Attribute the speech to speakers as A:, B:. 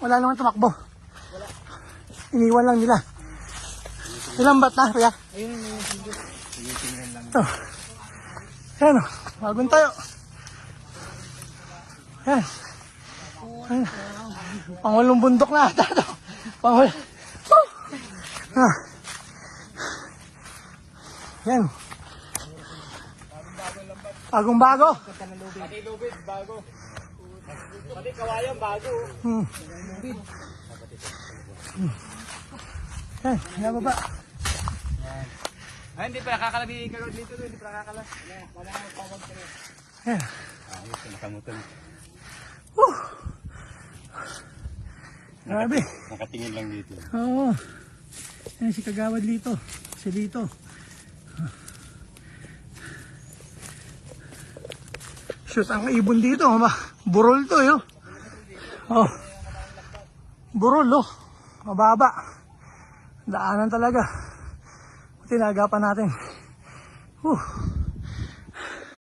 A: Wala naman tumakbo. Iniwan lang nila. Ilang bat na, kuya?
B: Ayun, tinitingnan lang.
A: Ito. Ayan o, bagong tayo. Ayan. Ayan. Pangulong bundok na ata ito. Pangulong. Ayan. Bagong bago.
B: Pati lubid, bago. Pati kawayan, bago.
A: Ayan, nababa.
B: Ay, hindi pa nakakalabi ka dito, hindi pa nakakala. Wala nang tawag ka rin.
A: Ayan.
B: Ayos, nakamutan.
A: Grabe.
B: Nakatingin lang dito.
A: Oo. Ayan si Kagawad Lito. Si Lito. Shoot, ang ibon dito. Burol to yun. Oh. Burol oh. Mababa. Daanan talaga. Tinagapan natin.